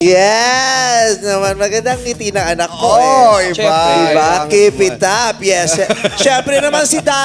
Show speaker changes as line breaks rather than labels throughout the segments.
Yes! Naman, magandang ngiti ng anak ko
Iba.
Diba? Keep it up. Yes. Siyempre naman si Dad.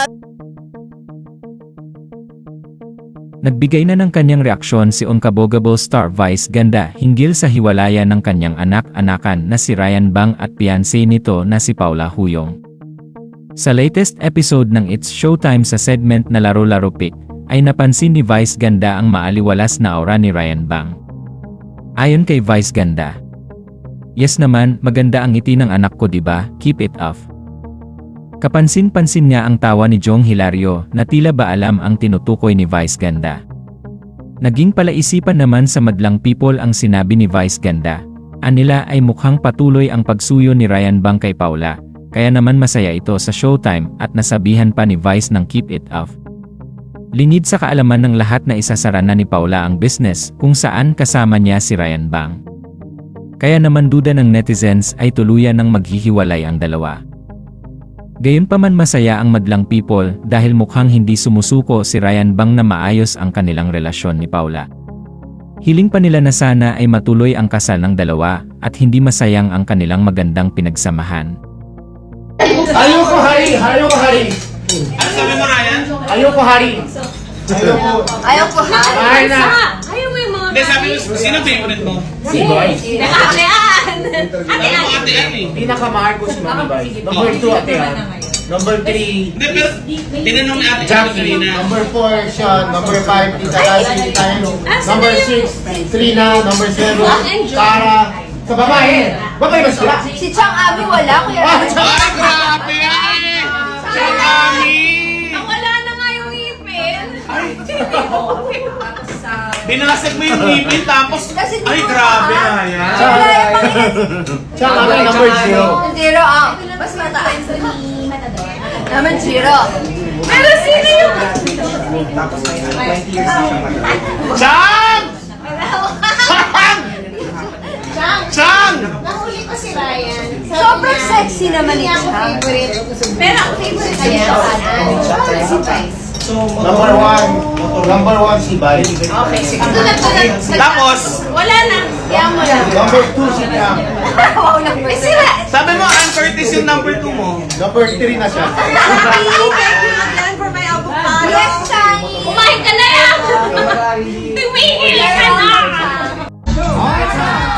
Nagbigay na ng kanyang reaksyon si Unkabogable star Vice Ganda hinggil sa hiwalayan ng kanyang anak-anakan na si Ryan Bang at fiancé nito na si Paula Huyong. Sa latest episode ng It's Showtime sa segment na Laro-Laro Pick, ay napansin ni Vice Ganda ang maaliwalas na aura ni Ryan Bang. Ayon kay Vice Ganda, "Yes naman, maganda ang ngiti ng anak ko diba, keep it up." Kapansin-pansin niya ang tawa ni Jong Hilario na tila ba alam ang tinutukoy ni Vice Ganda. Naging palaisipan naman sa madlang people ang sinabi ni Vice Ganda. Anila ay mukhang patuloy ang pagsuyo ni Ryan Bang kay Paula, kaya naman masaya ito sa Showtime at nasabihan pa ni Vice ng keep it up. Lingid sa kaalaman ng lahat na isasara na ni Paula ang business kung saan kasama niya si Ryan Bang. Kaya naman duda ng netizens ay tuluyan ng maghihiwalay ang dalawa. Gayunpaman masaya ang madlang people dahil mukhang hindi sumusuko si Ryan Bang na maayos ang kanilang relasyon ni Paula. Hiling pa nila na sana ay matuloy ang kasal ng dalawa at hindi masayang ang kanilang magandang pinagsamahan.
Ayoko hari! Ayoko hari!
Ano sabi mo, Ryan?
Ayoko hari!
Ayoko ha.
Mahal na!
Ayaw mo yung mga
Hindi, sabi mo, sino favorite mo?
Si Boy!
Nakakian!
Alam mo, ate Ann eh.
Pinakamahal ko si Mami Boy. Number 2 ate ha. Number 3,
Hindi, pero tinanong ni ate Ann
Jackie.
kanina.
Number 4, Sean. Number 5, Tita Lassie. Number 6, Trina. Number 7, Tara. Sa babae! Babae ba sila?
Si Chang Abi wala, kuya.
Ay, grabe yan eh! Chami!
Wala na nga yung ngipin.
Binasag mo yung ngipin tapos,
Kasi di
ay
mo
grabe
ma-
na yan.
Siya ang number 0.
Zero ang. Mas mataas. Naman zero. Pero sino yung...
Chang!
Chang!
Chang!
Nahuli ko si Ryan. Sobrang sexy naman ni Chang. Pero ang favorite niya si Vice.
Number 1 si Bay.
Okay, sige. Tulad.
Tapos,
Wala na. Yan mo lang.
Number 2 si Tiang.
Wow, number sira.
sabi mo, Ann Curtis yung number 2 mo.
Number 3 na siya.
Thank you again for my avocado. Yes, Chang. Kumain ka na yan. Tumigil ka na.